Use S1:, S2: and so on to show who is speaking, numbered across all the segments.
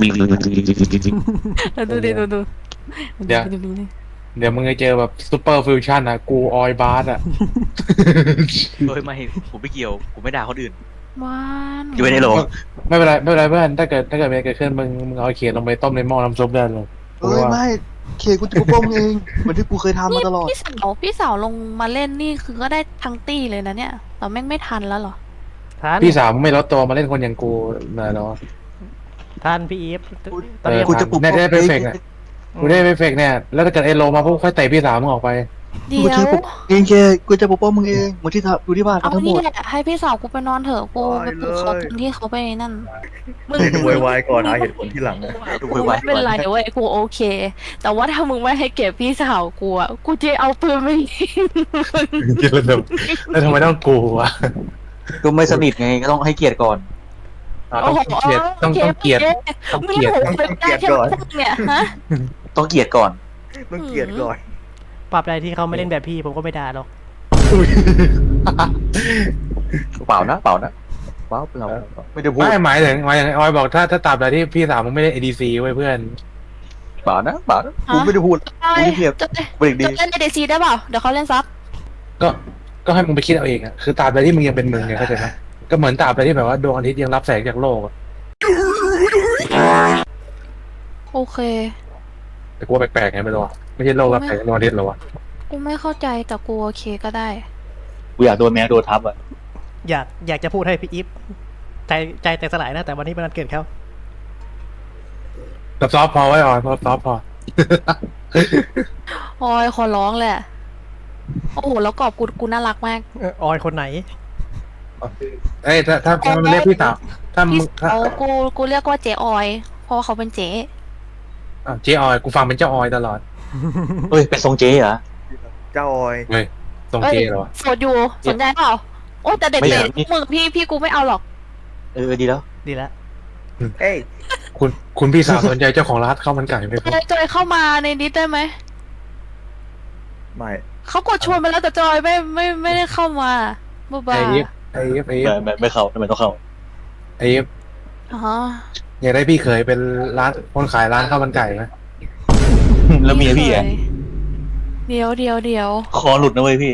S1: ดูดิดู
S2: เดี๋ยวเดี๋ยวมึงจะเจอแบบซูเปอร์ฟิวชั่นอ่ะกูออยบาร์อ่ะ
S3: โดยไม่ผมไม่เกี่ยวผมไม่ด่าคนอื่น
S1: มัน
S3: อยู่ในโรง
S2: ไม่เป็นไรไม่เป็นไรเพื่อนถ้าเกิดมีอะไรเกิดขึ้นมึงเอาเขียดลงไปต้มในหม้อน้ำซุปได้เลย
S4: ไม่เคกูจะปกป้องมึงเองเหมือนที่กูเคยทำมาตลอด
S1: พี่สาวลงมาเล่นนี่คือก็ได้ทั้งตี้เลยนะเนี่ยแต่แม่งไม่ทันแล้วเหรอ
S5: ท่าน
S2: พี่สาวมึงไม่ลดตัวมาเล่นคนอย่างกูเลยเนาะ
S5: ท่านพี่อีฟ
S2: เออ
S4: กูจะปกป้อง
S2: ได้ไปเฟกอ่ะกูได้ไปเฟกเนี่ยแล้วถ้าเกิดไอ้โลมาปุ๊บค่อยเตะพี่สาวมึงออกไป
S1: เดี๋
S4: กู
S1: ยว
S4: จะปกเองเคกูจะปกป้องมึงเองเหมือนที่ดูที่บ้าน
S1: เอา
S4: กันทั้งหม
S1: นี่
S4: ด
S1: แหละให้พี่สาวกูไปนอนเถอะกูไปปลุกเขาตอนที่เขาไปนั่นมึง
S6: โวยวายก่อนหาเหตุผลที่หลังอะ
S3: ดู
S1: กู
S3: ไว้
S1: ไม่เป็นไรเว้ยกูโอเค แต่ว่าถ้ามึงไม่ให้เก็บพี่สาวกูอ่ะกูจะเอาปืนไปยิง
S2: แล้วทำไมต้องกูวะ
S4: ก็ไม่สนิทไงก็ต้องให้เกียรติก่อน
S2: ต้องเกลียดต้องเกลียดต้องเกลียด
S1: มึงเป็นได้แค่พวกเนี่ยฮะ
S4: ต้องเกียรติก่อน
S6: ต้องเกลียดก่อน
S5: ปรับใดที่เขาไม่เล่นแบบพี่ผมก็ไม่ด่าหรอก
S4: เปล่านะเราไม่ได้พูด
S2: ไม่หมายถึงออยบอกถ้าตราบใดที่พี่สาวมึงไม่ได้ ADC ไว้เพื่อน
S4: เปล่านะกูไม่ได้พูด กูเงียบ
S1: จะ
S4: เป็นเด็กดี
S1: เล่นในเดซีได้เปล่าเดี๋ยวเขาเล่นซับ
S2: ก็ให้มึงไปคิดเอาเองอ่ะคือตราบใดที่มึงยังเป็นมึงไงเข้าใจไหมก็เหมือนตราบใดที่แบบว่าดวงอาทิตย์ยังรับแสงจากโลกอะ
S1: โอเค
S2: แต่กูว่าแปลกๆไงไม่รู้อะไม่ใช่โลกรับแสงจากดวงอาทิตย์หรอวะ
S1: กูไม่เข้าใจแต่กูโอเคก็ได้
S4: กูอยากโดนแมวโดนทับอ่ะ
S5: อยากจะพูดให้พี่อีฟใจแตกสลายนะแต่วันนี้เป็นวันเกิดเขา
S2: แบบซอฟต์พอไว้ออยซอฟต์พอ
S1: โอ้ยขอร้องแหละโอ้โหแล้วกรอบกูน่ารักมาก
S5: ออยคนไหน
S2: เอ้ยถ้ามันเรียกพี่สาวถ้ามึ
S1: พี่
S2: งถ้า
S1: สาวกูเรียกว่าเจ๊ออยเพราะว่าเขาเป็นเจ๊
S2: เจ๊ออยกูฟังเป็นเจ้าออยตลอด
S4: เฮ้ยเป็นทรงเจ๊เหรอ
S6: เจ้าออย
S2: เฮ้ยตรงเจ๊เหรอวะ
S1: โสดอยู่สนใจเปล่าโอ้แต่เด็ก
S4: ไม่
S1: เล
S4: อย ยาก
S1: มึงพี่กูไม่เอาหรอก
S4: ดีแล้ว
S5: ดีแล้ว
S6: เอ้ย
S2: คุณพี่สาวสนใจเจ้าของร้านข้าวมันไก่ไหมครับ
S1: จอยเข้ามาในนี้ได้ไหม
S6: ไม่
S1: เขากดชวนไปแล้วแต่จอยไม่ได้เข้ามาบ้า
S2: ไอ้ยิปไอ้ยิปไอ้ยิป
S4: ไม่เข้าทำไมต้องเข้า
S2: ไอ้ยิป
S1: อ๋อ
S2: อยากได้พี่เคยเป็นร้านคนขายร้านข้าวมันไก่ไหม
S4: แล้วเมียพี่อ่ะ
S1: เดี๋ยว
S4: คอหลุดนะเว้ยพี่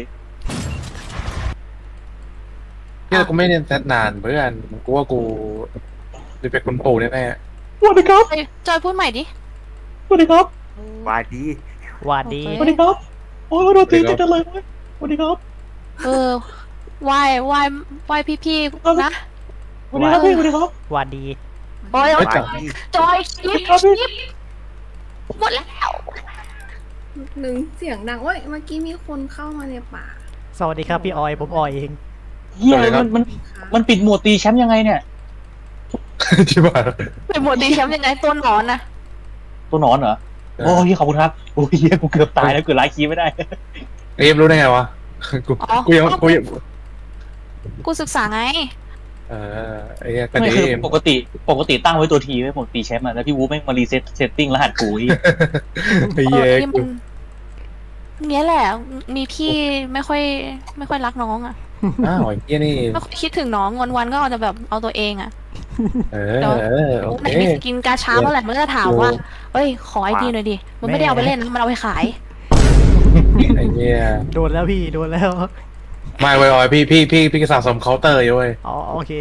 S2: เนี่ยกูไม่เรียนแซดนานเพื่อนกูว่ากูจะเป็นคนปู่แน่
S4: สวัสดีครับ
S1: จอยพูดใหม่ดิ
S4: สวัสดีครับ
S6: วาดี
S5: หวานดี
S1: โอ
S4: สวัสดีครับโอ้ยโดนตีจังเลยสวัสดีครับ
S1: ไหว้พี่ๆนะ
S4: สวัสดีครับพี่สวัสดีครับ
S5: หวานดี
S1: โอ้ยว
S6: าดี
S1: จอยคลิปหมดแล้ว
S7: หนึ่งเสียงดังเว้ยเมื่อกี้มีคนเข้ามาในป่า
S5: สวัสดีครับพี่ออยผมออยเอง
S4: เฮียมันปิดโหมดตีแชมป์ยังไงเนี่ย
S2: ๆ ที่บ้าน
S1: เป็นหมวดดีแชมป์ยังไงตัวหนอนนะ
S4: ตัวหนอนเหรอ โอ้ยขอบคุณครับ โอ้ยเฮียกูเกือบตายแล้วเกือบไลฟ์คีย์ไม่ได้
S2: ไอ้ยิปรู้ได้ไงวะกูยัง
S1: กูศึกษาไง
S2: ไอ้เนี่ยก็
S4: ไม่
S2: ดี
S4: คือปกติตั้งไว้ตัวทีไว้ผมตีแชมป์อะแล้วพี่วูไม่มารีเซ็ตเซตติ้งรหัสกูอีก
S2: ไอ้เหี้ย
S1: ที่มันเนี้ยแหละ มีพี่ไม่ค่อยรักน้องอ่ะ
S2: อ้าวไอ้เหี้ยนี่
S1: ไม่ค่อยคิดถึงน้องวันๆก็เอาแต่แบบเอาตัวเองอ่ะ
S2: โอ
S1: ไหน
S2: เค
S1: มีสกินกาชาเมื่อไหร่มันก็จะถามว่าเฮ้ยขอไอดีหน่อยดิมันไม่ได้เอาไปเล่นนะมันเอาไปขาย
S2: ไอ้เนี่ย
S5: โดนแล้วพี่โดนแล้ว
S2: ไม่เว้ยออยพี่สะสมเคาน์เตอร์อยู่เว้ย
S5: อ๋อโอเค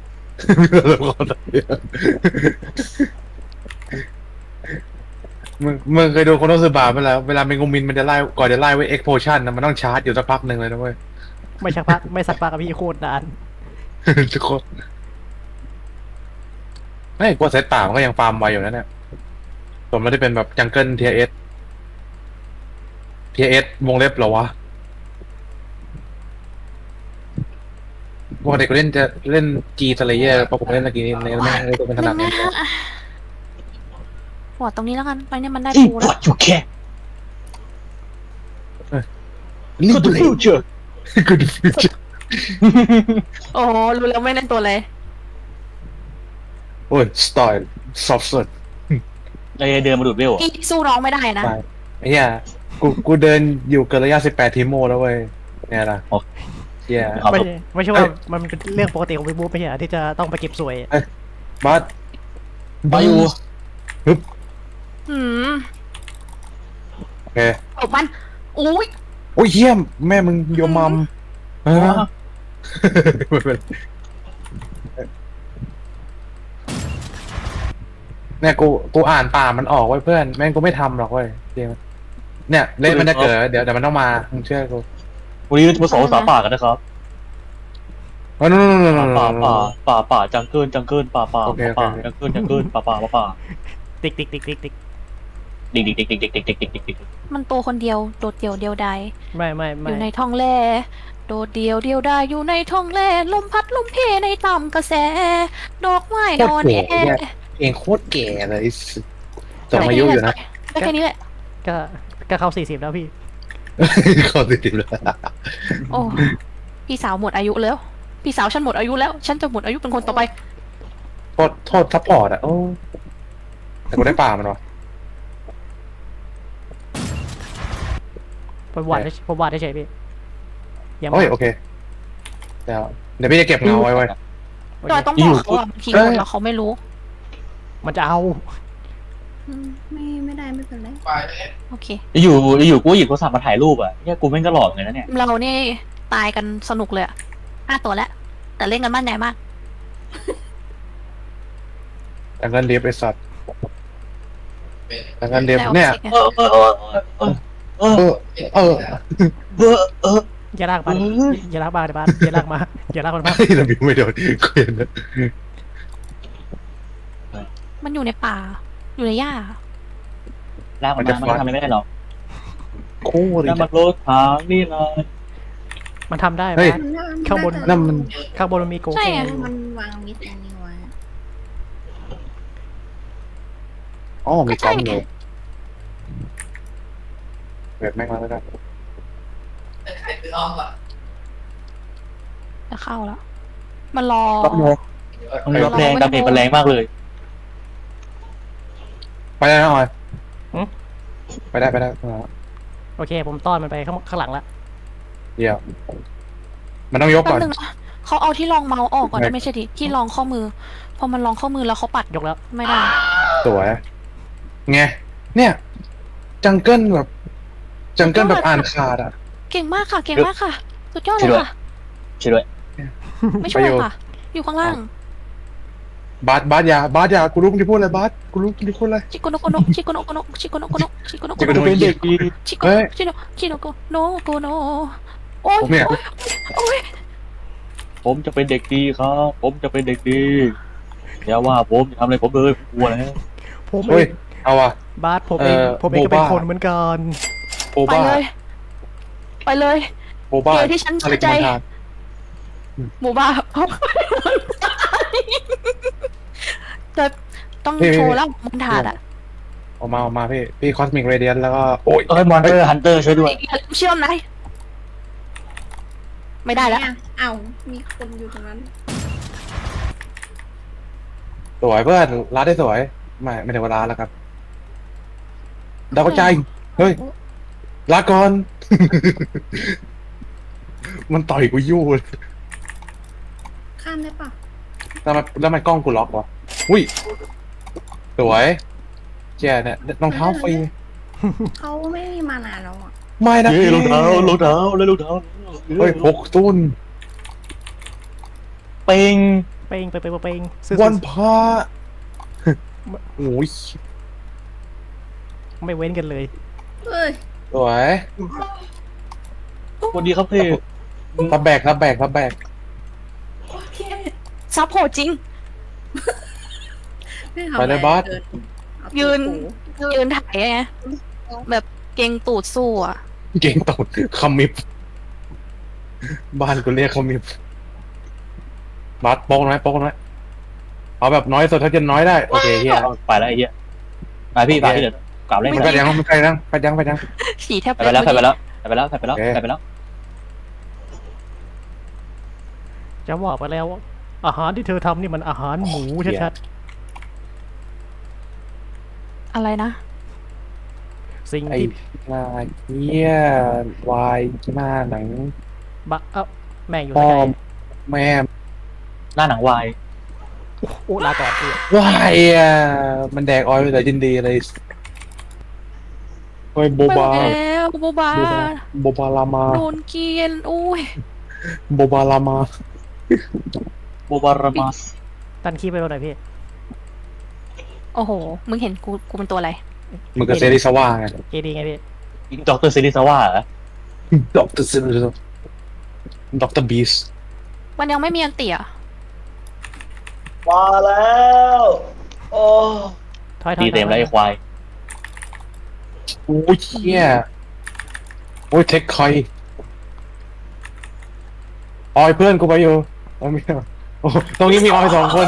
S2: มึงเคยดูโคโนซึบะไหมล่ะเวลาเมงุมินมันจะไล่ก่อนจะไล่ไว้เอ็กโพชั่นนะมันต้องชาร์จอยู่สักพักหนึ่งเลยนะเว้ย
S5: ไม่สักพักกับพี่โคตรนาน
S2: ทุกคนไม่กลัวเซตป่ามันก็ยังฟาร์มไวอยู่นะเนี่ยผมไม่ได้เป็นแบบจังเกิลเทียเอสวงเล็บเหรอวะปกติกูจะเล่นจีสเลเยอร์เพราะผมเล่นตะกี้นี้ในไม่ได้เป็นถนัด
S1: นึ
S2: นี้
S1: งนะหัวตรงนี้แล้วกันไปเนี่ยมันได้
S4: ที่
S1: ปู
S4: พ
S1: แล้
S4: อ
S1: ว
S4: ดอยู่แค่
S2: นี่
S4: Good future
S2: กูดูฟิวเจอร์
S1: โอ้โหรู้แล้วไม่เล่นตัวเลย
S2: โอ้ยสไตล์ซอฟต์สุด
S4: ไอเดินมาดูดเวล
S1: พี่สู้น้องไม่ได้นะ
S2: ไอ้เหี้ยกูเดินอยู่เกินระยะ18ทีโมแล้วเว้ยเนี่ยนะเหี้ย
S5: ไม่ใช่ว่ามันเป็นเรื่องปกติของพี่บู๊ไม่ใช่เหรอที่จะต้องไปเก็บสวย
S2: บัส
S4: ไปอยู่
S1: หืม
S2: โอเค
S1: ตบมันอุ้ย
S2: โอ้ยเยี่ยมแม่มึงโยมมัมไม่เป็นไรเนี่ยกูอ่านป่ามันออกไว้เพื่อนแม่งกูไม่ทำหรอกเว้ยจริงเนี่ยเล่นมันจะเกิดเดี๋ยวมันต้องมามึงเชื่อกู
S4: วันนี้เราจะมาสอนภาษาป่ากันนะครับ
S2: โอ้ยนู่น
S4: ป่าจังเกิลป่าจังเกิลป่า
S5: ติ๊กติ๊กติ๊กติ๊กติ๊ก
S4: ดิก
S1: มันตัวคนเดียวโดดเดี่ยวเดียวดาย
S5: ไม่
S1: อยู่ในท้องแร่โดดเดี่ยวเดียวดายอยู่ในท้องแร่ลมพัดลมเพในต่ำกระแส ดอกไม้นอนแอ
S2: เองโคตรแก่เลยจอมอายุอยู่นะ
S1: ได้แค่นี้แหละ
S5: ก็เข้า40แล้วพี่
S2: เขาติดเลย
S1: โอ้พี่สาวหมดอายุแล้ว พี่สาวฉันหมดอายุแล้ว ฉันจะหมดอายุเป็นคนต่อไป
S2: โทษซัพพอร์ตอะโอ้แต่กูได้ป่ามันวะ
S5: ผมวาดได้เฉยพี่ยัง
S2: โอ้ยโอเคเดี๋ยวพี่จะเก็บเงาไว้
S1: แต่ต้องบอกเขาว่าบางทีคนเราเขาไม่รู้
S5: มันจะเอา
S7: ไม่ได้ไม่เป็นไร
S1: โอเค
S4: อยู่กูหยิบโทรศัพท์มาถ่ายรูปอ่ะเนี่ยกูแม่งก็หลอกเลยนะเนี่ย
S1: เรานี่ตายกันสนุกเลยอะ5 ตัวแล้ว แต่เล่นกันมั่นใจมาก
S2: แต่เงินเรียบไอ้สัตว์แต่เงินเรียบเนี่ย
S5: อย่าลากมาอย่าลากมาเดี๋ยวบ้านอย่าลากมาอย่าลากมันมา
S2: เราบิวไม่โดนเคลียร์นะ
S1: มันอยู่ในป่า อยู่ในหญ้า
S4: ลากมันมามันทำอะไรไม่ได้หรอก
S2: โคตร
S4: แล้วมันโลดทางนี่เลย
S5: มันทำได้ไหม
S2: เฮ้ย
S5: ข้างบน
S2: นั่นมัน
S5: ข้างบนมันมีโก
S1: ใช่
S5: โก้
S1: ไง
S7: มันวางมิดอันนี้ไว้
S2: อ๋อมีกล้องอยู่เปิดแม่งมาแล้วกัน
S1: จะเข้าแล้ว มันรอ
S4: มันรับแรงดาเมจมันแรงมากเลย
S2: ไปได้นะออยไปได้
S5: โอเค ผมต้อนมันไปข้างหลังละ
S2: เดี๋ยวมันต้องยก
S1: แป๊
S2: ก่อบ น
S1: นึงนะเขาเอาที่รองเมาส์ออกก่อนนะไม่ใช่ดิที่รองข้อมือ พอมันรองข้อมือแล้วเขาปัด
S5: ยกแล้ว
S1: ไม่ได้
S2: สวยไงเนี่ยจังเกิลแบบอ่านขาดอ่ะ
S1: เก่งมากค่ะ เก่งมากค่ะ สุดยอดเลยค่ะ
S4: ช่วยด้วย
S1: ไม่ช่วยค่ะ อยู่ข้างล่าง
S2: บาสยากูรู้มึงจะพูดอะไรบาสกูรู้มึงจะพูดอะไร
S1: ชิโกโนโกโนชิโกโนโกโนชิโกโนโกโนชิโกโนโก
S2: ชิโก
S1: โน
S2: โน
S4: เป็นเด็กดี
S1: ชิโกโนชิโนชิโนโกโนโกโนโอ้ย
S2: เนี่ย
S1: โอ้ย
S4: ผมจะเป็นเด็กดีครับ ผมจะเป็นเด็กดีอย่าว่าผมทำอะไรผมเลยกลัวแล้ว
S5: ผม
S2: เฮ้ยเอาว่ะ
S5: บาสผมเองก็เป็นคนเหมือนกัน
S2: โบ
S1: ไป
S2: บ้า
S1: เลย ไปเลย
S2: โบบ้า
S1: เดี๋ยวที่ฉันเชื่อใจ หมู่บ้านจะต้องโชว์แล้วมันถาดอ่ะ
S2: ออกมาพี่คอสมิกเรเดียนแล้วก็โอ้ย
S4: เอ้ยมอนเตอร์ฮันเตอร์ช่วยด้วย
S1: เชื่อมไหมไม่ได้แล้ว
S7: เอ้ามีคนอยู่ตรงนั้น
S2: สวยเพื่อนร้านได้สวยไม่ถึงเวลาแล้วครับดาวกระจายเฮ้ยลาก่อน มันต่อยกูยู่เลย
S7: ข้ามได้ปะ
S2: แล้วมันกล้องกูล็อกวะอุ้ยสวยแย่เนี่ยรองเท้าฟรี
S7: เขาไม่มีมานานแล้วอ่ะ
S2: ไม่นะ
S4: เฮ้ยรองเท้าแล้วรองเท้า
S2: เฮ้ย6 ตุ้น
S4: เป่ง
S5: เป้งเป้งซื้อ
S2: วันพระโอ้ย
S5: ไม่เว้นกันเลย
S7: เฮ้ย
S2: สวย
S4: สวัสดีครับพี่
S2: รับแบก
S7: โอเค
S1: ซับโหดจริง
S7: ม่ทำ
S2: ไปเลยบอส
S7: เกินเอา
S1: ยืน
S7: ถู
S1: ยืนถ่ายไงแบบเกรงตูดสู้อ่ะ
S2: เก่งตดคำมิบบ้านกูเรียกคำมิบบัสโป๊กน้อยเอาแบบน้อยสุดถ้าจะน้อยได้โอเคเฮีย
S4: ไปแล้วไอ้เหี้ยไปพี่ไปที่เดี๋ยวกลับเล่น
S2: มัน
S4: ไป
S2: ไปยังไปยัง
S1: ฉี่แทบ
S4: ไปแล้ว
S5: จะบอกไปแล้วว่าอาหารที่เธอทำนี่มันอาหารหมูชัด
S1: อะไรนะ
S5: ๆสิ่ง
S2: ไอ้
S5: ที่
S2: นายเฮียวายหน้าหนัง
S5: แม่งอยู่
S2: พ่อ
S5: ไกล
S2: แม่
S4: หน้าหนังวาย
S5: โอ้ลาก่อนพี่
S2: ว้ายอ่ะมันแดกออยล์ไปแต่ยินดีเลยโอ้ยโบ
S1: ไม่ไหว
S2: บา
S1: แล้วโบบา
S2: โบบาลามา
S1: โดนเกลียนอุ้ย
S2: โบบาลามา
S4: โบบารามาส
S5: ตันคีบไปบนไหนอยพี่
S1: โอ้โห มึงเห็นกูเป็นตัวอะไร
S2: มึงกับเซริสวาไง
S5: เอดีไงพี่
S4: ด็อกเตอร์ซิริซาวะเหรอ
S2: ด็อกเตอร์เซริสด็อกเตอร์บีส
S1: มันยังไม่มีอันเตี่ย
S8: มาแล้ว โอ้
S5: ถอย
S4: ตีเต็มแล้วไอ้ควาย
S2: โอ้ยเชี่ยโอ้ยเทคคอยออยเพื่อนกูไปอยู่โอ้ไม่เอาโอ้ตรงนี้มีออยสองคน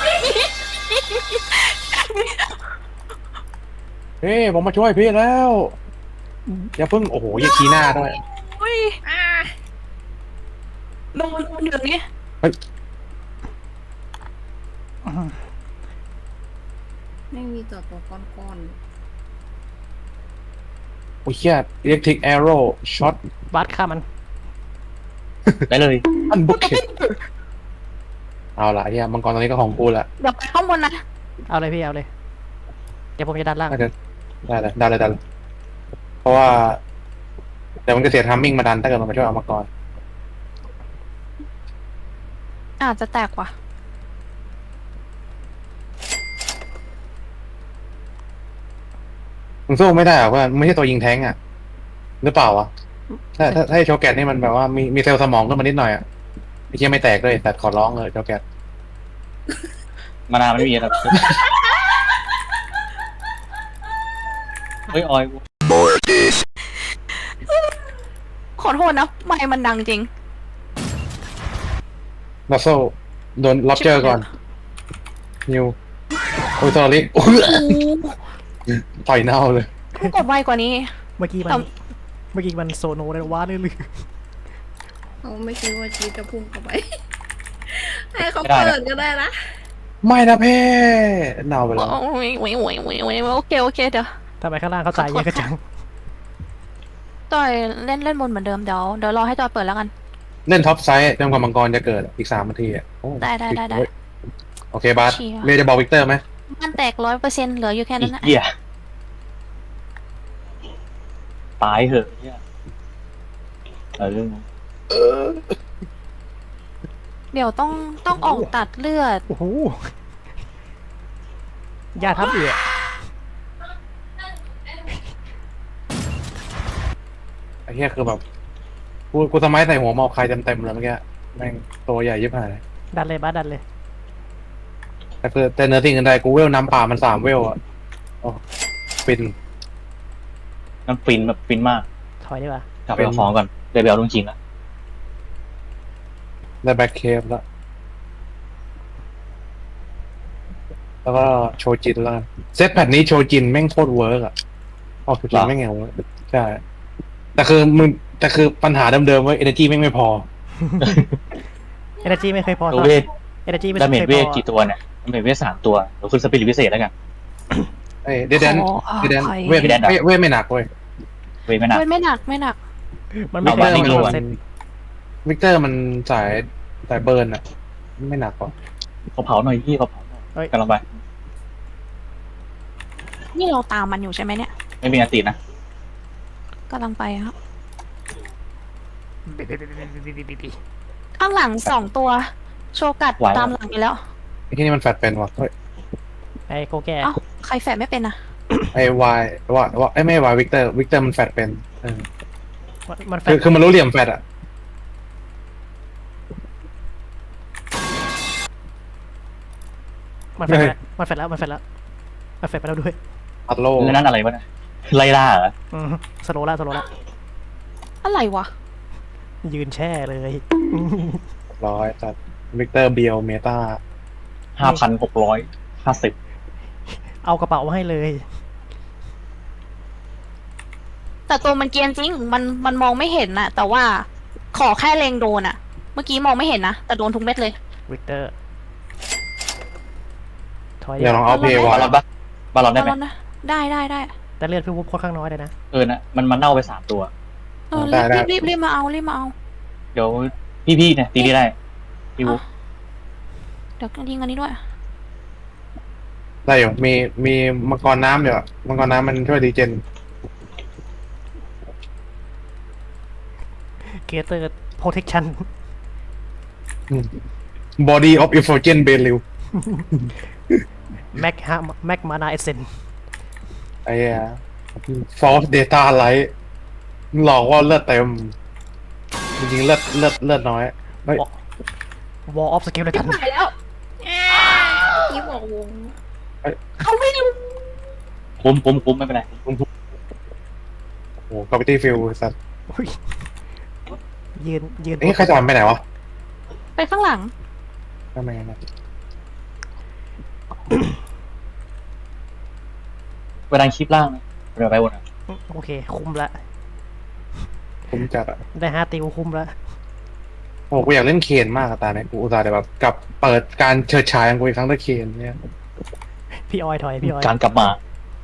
S2: เฮ้ยผมมาช่วยพี่แล้ว อย่าเพิ่งโอ้โหอย่าชี้หน้าด้วย
S1: อุ้ย
S7: อ่า
S1: โดนเดือดนี้
S7: ไม่มีตัวก้อน
S2: โอ้ยเชี่ยอิเล็กทริกแอโร่ช็อต
S5: บัสฆ่ามัน
S4: ได้เลย
S2: อันบุกเก็ตเอาละเฮียมังกรตอนนี้ก็ของกูละ
S1: เดี๋ยวไปข้างบนนะ
S5: เอาเลยพี่เอาเลย เดี๋ยวผมจะดันล่าง
S2: น่าจะได้เลยเพราะว่าเดี๋ยวมันจะเสียทัมมิ่งมาดันถ้าเกิดมันมาช่วยเอามังกร
S1: อาจจะแตกว่ะ
S2: มึงสู้ไม่ได้หรอกเพื่อนไม่ใช่ตัวยิงแท้งอ่ะหรือเปล่าวะถ้าไอ้โชแกตนี่มันแบบว่ามีเซลล์สมองขึ้นมานิดหน่อยอ่ะไอ้เชี่ยไม่แตกเลยแต่ขอร้องเลยโชแกต
S4: มานาวไม่มีครับเฮ้ยออย
S1: ขอโทษนะ ไม่มันดังจริง
S2: ลัสโซโดนล็อบเจอร์ก่อนนิวโอ้ยสอรี่ต่อยเน่าเลย
S1: กูกดไวกว่านี้
S5: เมื่อกี้มัน
S1: แต่
S5: เมื่อกี้มันโซโนเลยว้าเลยเลย
S7: ๆเขาไม่คิดว่าจีจะพุ่งเข้าไป ให้เขาเปิดก็ได้นะ
S2: ไม่นะเพ่เน่าไปแล้ว
S1: โอ้ยโอเคเดี๋ยว
S5: ทำไมข้างล่างเขาตายเยอะกระจัง
S1: จอยเล่นบนเหมือนเดิมเดี๋ยวรอให้จอยเปิดแล้วกัน
S2: เล่นท็อปไซด์จนกว่ามังกรจะเกิดอีก3 นาทีอ่ะโอ้
S1: ได้
S2: โอเคบาส
S1: เชียร์
S2: เมย์จะบอกวิกเตอร์ไหม
S1: มันแตก100%เหลืออยู่แค่
S4: อี
S1: นั้นนะ
S4: เหี้ยตายเหอะเนี่ยเรื่อง
S1: เดี๋ยวต้องออกตัดเลือด
S5: โอ้โหยาทับเอือ
S2: ไอ้เหี้ยคือแบบกูสมัยใส่หัวมอใครเต็มเลยเมื่อกี้แม่งตัวใหญ่ยิบหาย
S5: ดันเลยบัสดันเลย
S2: แต่เนื้อสิ่งอื่นใดกูเวลน้ำป่ามัน3 เวลอ่ะโอ้ฟิน
S4: มันฟินแบบฟินมาก
S5: ถอยดีกว่า
S4: กลับไปเอาของก่อนเดี๋ยวไปเอาลุงจริงละ
S2: ได้แบ็คเคฟแล้วก็โชจินแล้วกันเซตแพทนี้โชจินแม่งโคตรเวิร์กอ่ะโชจินแม่งไงวะใช่แต่คือปัญหาเดิมๆว่า energy แม่งไม่พอ
S5: เอเนจีไม่เคยพอ
S4: ตัวเวท
S5: เอเนจีไม่
S4: ดาเมจ
S5: เคย
S4: เว
S5: พ
S4: ท
S5: อ
S4: กี่ตัวเนี่ยดาเมจเวท3 ตัวเดี๋ยวขึ้นสปิริตพิเศษแล้วกัน
S2: เอ้ยเดดแดน
S1: ขออภัย
S2: เดดแดนเวทไม่หนักเว้ย
S4: เวทไม่หนัก
S1: ไม่หนัก
S5: มันไม่
S4: เอา
S5: เค
S4: มาย นี่
S5: พ
S4: รั
S5: อ
S4: ว
S5: เซ็ต
S2: วิกเตอร์มันสายเบิร์นอ่ะไม่หนักกว่า
S4: เขาเผาหน่อยพี่เขาเผาหน่อยกำลังไป
S1: นี่เราตามมันอยู่ใช่ไหมเนี่ย
S4: ไม่มีอันตินะ
S1: กำลังไปครับ ข้างหลัง2 ตัว โชกัดตามหลังไปแล้ว
S2: ไอ้ที่นี่มันแฟดเป็นวะเฮ้ย
S5: ไอ้โกแก่
S1: เอ้าใครแฝดไม่เป็นนะ
S2: ไอ้วายว่าไอ้ไม่วายวิกเตอร์มันแฟดเป็นเออ
S5: มันแฟ
S2: คือมันรู้เหลี่ยมแฟดอ่ะ
S5: มันแฟดแล้วมันแฟดแล้วมันแฟดแล้วมันแฟดไปแล้วด้วย
S2: อัดโล
S4: แล้วนั่นอะไรวะเนี่ยไล่ล่าเหรอ
S5: สโลล่า
S1: อะไรวะ
S5: ยืนแช่เลย
S2: ร้อยจัดวิกเตอร์เบียวเมตา
S4: 5,650
S5: เอากระเป๋ามาให้เลย
S1: แต่ตัวมันเกรียนจริง มันมองไม่เห็นน่ะ แต่ว่าขอแค่เลงโดนอ่ะ เมื่อกี้มองไม่เห็นนะ แต่โดนทุกเม็ดเลย
S5: วิกเตอร์ ถอย
S2: อย่าลองเอาเพย์
S4: บาว
S2: ะ
S4: ลอนปะบาลอนได้ไหม
S1: เอาแล้วนะได้
S5: แต่เลือดพี่วุบค่อนข้างน้อยเลยนะ
S4: นะมันเน่าไป3 ตัว
S1: เออรีบมาเอา
S4: เดี๋ยวพี่เนี่ยตีได้พี่บุ๊ก
S1: เดี๋ยวยิงอันนี้ด้วย
S2: ได้อยู่มีมังกรน้ำอยู่อะมังกรน้ำมันช่วยดีเจน
S5: เกเตอร์ protection
S2: body of Effulgent Belil
S5: แม็กมานาเอเซน
S2: ไอ้เหี้ย false data light หลอกว่าเลือดเต็ม จริงๆเลือดน้อยเฮ้ย
S5: วอลออฟสกิลเลยกัน
S1: ไปแล้ว
S7: อีฟบอกวง
S1: เขาไม่รู้
S4: คุ้มไม่เป็นไร
S2: โอ้โห gravity field สัตว์
S5: อุ๊ยยืน
S2: เอ๊ะใครจะไปไหนวะ
S1: ไปข้างหลัง
S2: ทำไมนะ
S4: เวลาคลิปล่างนะเรือไปบนอ่ะ
S5: โอเค คุ้มละ
S2: ผมจัดอะ
S5: ได้5 ติวคุ้มละ
S2: โอ้กูอยากเล่นเคนมากอะตาเนี่ยกูอุตส่าห์แบบกลับเปิดการเชิดฉายของกูอีกครั้งด้วยเคนเนี่ย
S5: พี่ออยถอยพี่ออย
S4: การกลับมา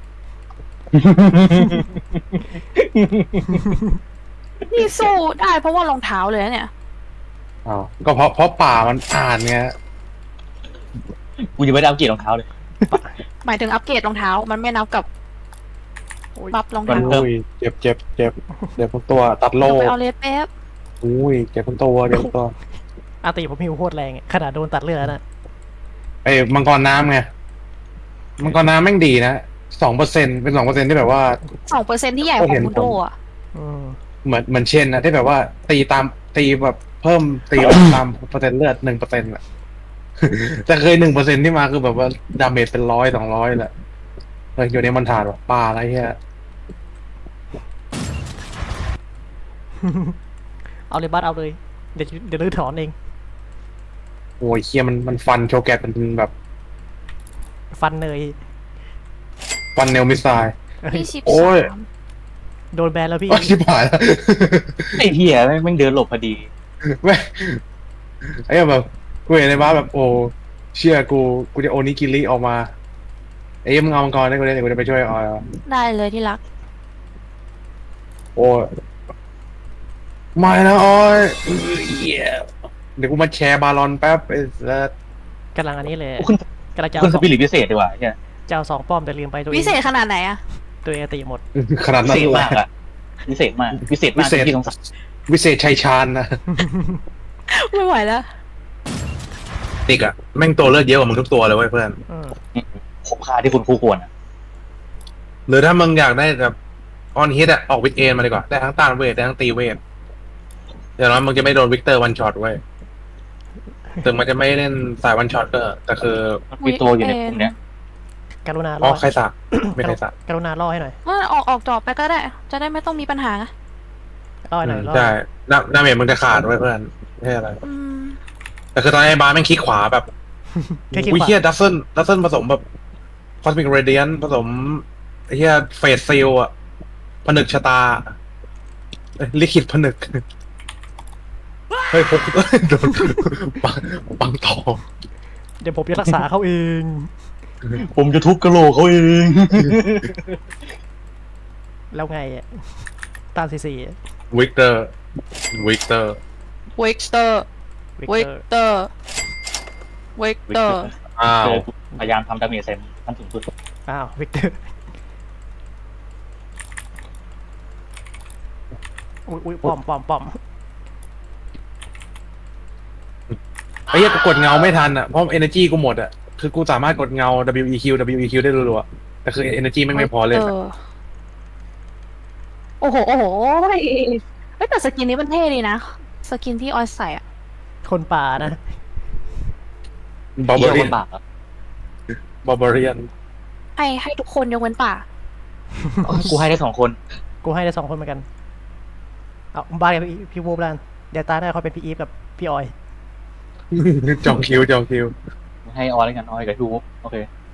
S1: นี่สู้ได้เพราะว่ารองเท้าเลยนะเนี่ย
S2: อ้าวก็เพราะป่ามันอ่านไง
S4: กูยังไม่ได้อัปเกรดรองเท้าเลย
S1: หมายถึงอัปเกรดรองเท้า มันไม่นับกับบัฟรองเท้า
S2: อุ้ยเจ็บเดี๋ยวพวกตัวตัดโล่
S1: ไปเอาเลสแป๊บ
S2: อุ้ยเจ็บพวกตัวเดี๋ยวพวกตัว
S5: อาติผมหิวโคตรแรงอะขนาดโดนตัดเลือดแล้วนะ
S2: ไอ้มังกรน้ำไงมังกรน้ำแม่งดีนะ2%เป็น2%ที่แบบว่า
S1: 2%ที่ใหญ่ของมุนโดอ่ะ
S5: อืม
S2: เหมือนเช่นนะที่แบบว่าตีแบบเพิ่มตีตามเปอร์เซ็นต์เลือด1%อะ แต่เคย1%ที่มาคือแบบว่าดาเมจเป็น100-200แหละอยู่ในมันถาดว่ะป่าอะไรเงี้ย
S5: เอาเลยบัสเอาเลย เดี๋ยวลื้อถอนเอง
S2: โอ้ยเคียมันฟันโชแกตมันแบบ
S5: ฟันเนย
S2: ฟันเนลมิสไซล์
S5: เอ้ย
S2: โอ้ย
S1: 23
S5: โดนแบนแล้วพี่
S2: โอ้ยชิบหายแล้ว
S4: ไอ้เหี้ยแม่งเดินหลบพอดี
S2: แม่งไอ้แบบกูเห็นในบ้านแบบโอ้เชื่อกูจะโอนิกิริออกมาไอ้มึงเอามังกรได้กูได้เดี๋ยวกูจะไปช่วยออย
S1: ได้เลยที่รัก
S2: โอ้ยไม่นะออยเหี้ยเดี๋ยวกูมาแชร์บาลอนแป๊บไอ้สัส
S5: กำลังอันนี้เลย
S4: คุณ
S5: กำลังจะ
S4: คุณ
S5: เอา
S4: สปิริตพิเศษดีกว่าเนี่ย
S5: จะเอา2 ป้อมแต่ลืมไปตัวเอง
S1: พิเศษขนาดไหนอะ
S5: ตัวเองติหมด
S2: ขนาด
S4: พิ
S2: นั้น
S4: เศษ
S2: เลย
S4: มากอ่ะพิเศษมากที่สงสัย
S2: วิเศษชัยชาญนะ
S1: ไม่ไหวแล้ว
S2: ติกอะแม่งตัวเลือดเยอะกว่ามึงทุกตัวเลยเว้ยเพื่อน
S5: อืม
S4: คุ้มค่าที่คุณคู่ควรอ่ะ
S2: หรือถ้ามึงอยากได้แบบออนฮิตอะออกวิกเอนมาดีกว่าได้ทั้งต้านเวทได้ทั้งตีเวทเดี๋ยวนั้นมึงจะไม่โดนวิกเตอร์วันช็อตเว้ยถึงมันจะไม่เล่นสายวันช็อตก็แต่คือ
S4: มันมีตัวอยู่ในกลุ่มเนี้ย
S5: กรุณา
S2: อ๋
S5: ล่
S2: อ
S5: อ
S2: ใครสักไม่ใครสัก
S5: กรุณาล่อให้หน่อย
S1: ว่าออกจอบไปก็ได้ จะได้ไม่ต้องมีปัญหา
S5: ล่อให้หน่อยล่อ
S2: ใช่ดาเมจมึงจะขาดเว้ยเพื่อนไม่ใช่อะไร
S1: อืม
S2: แต่คือตอนนี้บาร์แม่งคลิกขวาแบบ
S5: แค่คิด
S2: วิ
S5: ว่า
S2: เฮียดัซเซิลผสมแบบคอสมิกเรเดียนผสมไอ้เฮียเฟสซิลอะผนึกชะตาลิขิตผนึกเฮ้ยพกโดนปังทอง
S5: เดี๋ยวผมจะรักษาเขาเอง
S4: ผมจะทุบกระโหลกเขาเอง
S5: แล้วไงอะตามซี
S2: วิกเตอร์
S1: วิกเตอร์ วิกเตอร์ วิกเตอร์
S2: อ้าว
S4: พยายามทำดาเมจเซนขั้นสูงสุด
S5: อ้าววิกเตอร์อุ้ยป้อม
S2: ไอ้เหี้ยกูกดเงาไม่ทันอ่ะเพราะ energy กูหมดอ่ะคือกูสามารถกดเงา WEQ ได้รัวๆแต่คือ energy ไม่พอเล่นอะ
S1: โอ้โหเฮ้ยแต่สกินนี้มันเท่ดีนะ สกินที่ออยใส่อะ
S5: คนป่านะ
S2: บาร์เบ
S4: เหี้ย
S2: เรี
S4: ค
S2: ยน
S4: นบาปอ่ะ
S2: บาร์เบเรียน
S1: ให้ทุกคนยกเว้นป่า
S4: กูให้ได้2 คน
S5: กูให้ได้2 คนเหมือนกันเอาบ้านกับพี่วูบลันเดี๋ยวตาได้เขาเป็นพี่อีฟกับพี่ออย
S2: จองคิว
S4: ให้ออยแล้วกันออยกับทูบโอเค